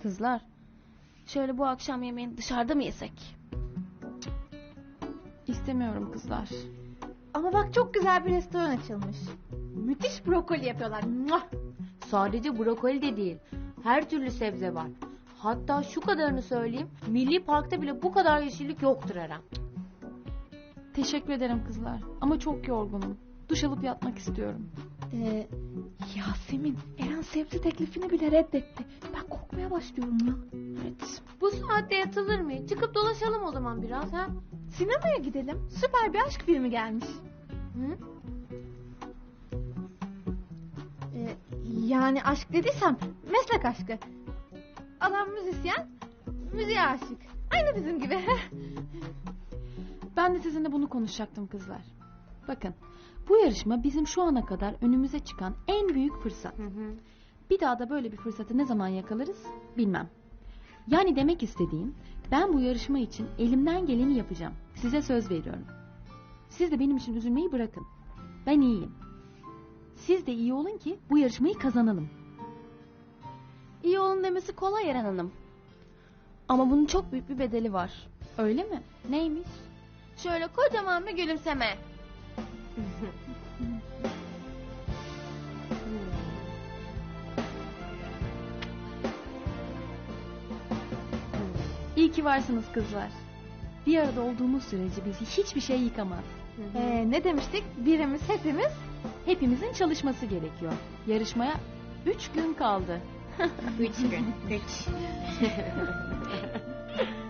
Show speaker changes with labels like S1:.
S1: Kızlar, şöyle bu akşam yemeğini dışarıda mı yesek?
S2: İstemiyorum kızlar.
S3: Ama bak çok güzel bir restoran açılmış. Müthiş brokoli yapıyorlar. Muah!
S4: Sadece brokoli de değil. Her türlü sebze var. Hatta şu kadarını söyleyeyim. Milli Park'ta bile bu kadar yeşillik yoktur Eren.
S2: Teşekkür ederim kızlar. Ama çok yorgunum. Duş alıp yatmak istiyorum.
S3: Yasemin, Eren sebze teklifini bile reddetti. Ben korkmaya başlıyorum ya.
S2: Evet.
S4: Bu saatte yatılır mı? Çıkıp dolaşalım o zaman biraz ha.
S3: Sinemaya gidelim. Süper bir aşk filmi gelmiş.
S4: Hı?
S3: Yani aşk dediysem meslek aşkı. Adam müzisyen, müziğe aşık. Aynı bizim gibi.
S2: Ben de sizinle bunu konuşacaktım kızlar. Bakın, bu yarışma bizim şu ana kadar önümüze çıkan en büyük fırsat. Bir daha da böyle bir fırsatı ne zaman yakalarız bilmem. Yani demek istediğim, ben bu yarışma için elimden geleni yapacağım. Size söz veriyorum. Siz de benim için üzülmeyi bırakın. Ben iyiyim. Siz de iyi olun ki bu yarışmayı kazanalım.
S1: İyi olun demesi kolay Eren Hanım. Ama bunun çok büyük bir bedeli var.
S2: Öyle mi? Neymiş?
S1: Şöyle kocaman bir gülümseme.
S2: İyi ki varsınız kızlar. Bir arada olduğumuz sürece bizi hiçbir şey yıkamaz.
S3: Ne demiştik? Birimiz hepimiz.
S2: Hepimizin çalışması gerekiyor. Yarışmaya 3 gün kaldı.
S1: 3 gün. 3.